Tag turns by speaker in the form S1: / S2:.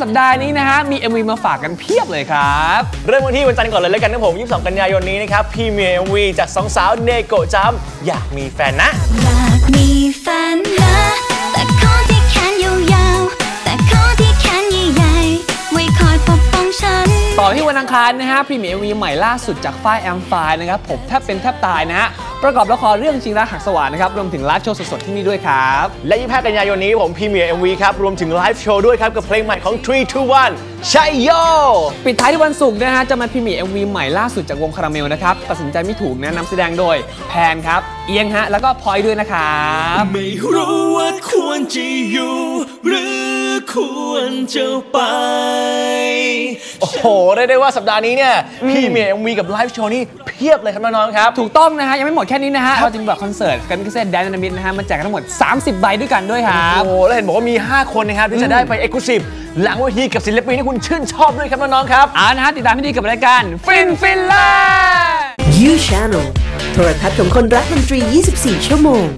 S1: สัปดาห์นี้นะฮะมี MV มาฝากกันเพียบเลยครับ
S2: เริ่มวันที่วันจันทร์ก่อนเลยแล้วกันนะผม22 กันยายนนี้นะครับพี่มี MV จากสองสาวเนโกะจัมอยากมีแฟนนะ
S3: อยากมีแฟนนะแต่ขอที่แขนยาวๆแต่ขอที่แขนใหญ่ๆไว้คอยปกป้องฉัน
S1: ต่อที่วันอังคารนะฮะพรีเมียร์ MV ใหม่ล่าสุดจากฝ้ายแอมไฟนะครับผมแทบเป็นแทบตายนะฮะประกอบละครเรื่องจริงรักหักสวรรค์นะครับรวมถึงไลฟ์โชว์สดๆที่นี่ด้วยครับ
S2: และ25 กันยายนนี้ผมพรีเมียร์ MV ครับรวมถึงไลฟ์โชว์ด้วยครับกับเพลงใหม่ของ 321 ชัยโย
S1: ปิดท้ายที่วันศุกร์นะฮะจะมาพรีเมียร์ MV ใหม่ล่าสุดจากวงคาราเมลนะครับตัดสินใจไม่ถูกนะนำแสดงโดยแพนครับเอียงฮะแล้วก็พลอยด้วยนะครับ
S4: ไม่รู้ว่าควรจะอยู่หรือควรจะไป
S2: โอ้โหได้ว่าสัปดาห์นี้เนี่ยพี่เมีย MV กับไลฟ์โชว์นี่เพียบเลยครับน้องๆครับ
S1: ถูกต้องนะฮะยังไม่หมดแค่นี้นะฮะเราจะมีบัตรคอนเสิร์ตกันพิเศษแดนนามิดนะฮะมาแจกกันทั้งหมด30 ใบด้วยกันด้วยครับ
S2: โอ้แล้วเห็นบอกว่ามี5 คนนะครับที่จะได้ไป Exclusive หลังเวทีกับศิลปินที่คุณชื่นชอบด้วยครับน้องๆครับ
S1: นะฮะติดตามให้ดีกับรายการฟินล่า
S5: You Channel โทรทัศน์ของคนรักดนตรี 24 ชั่วโมง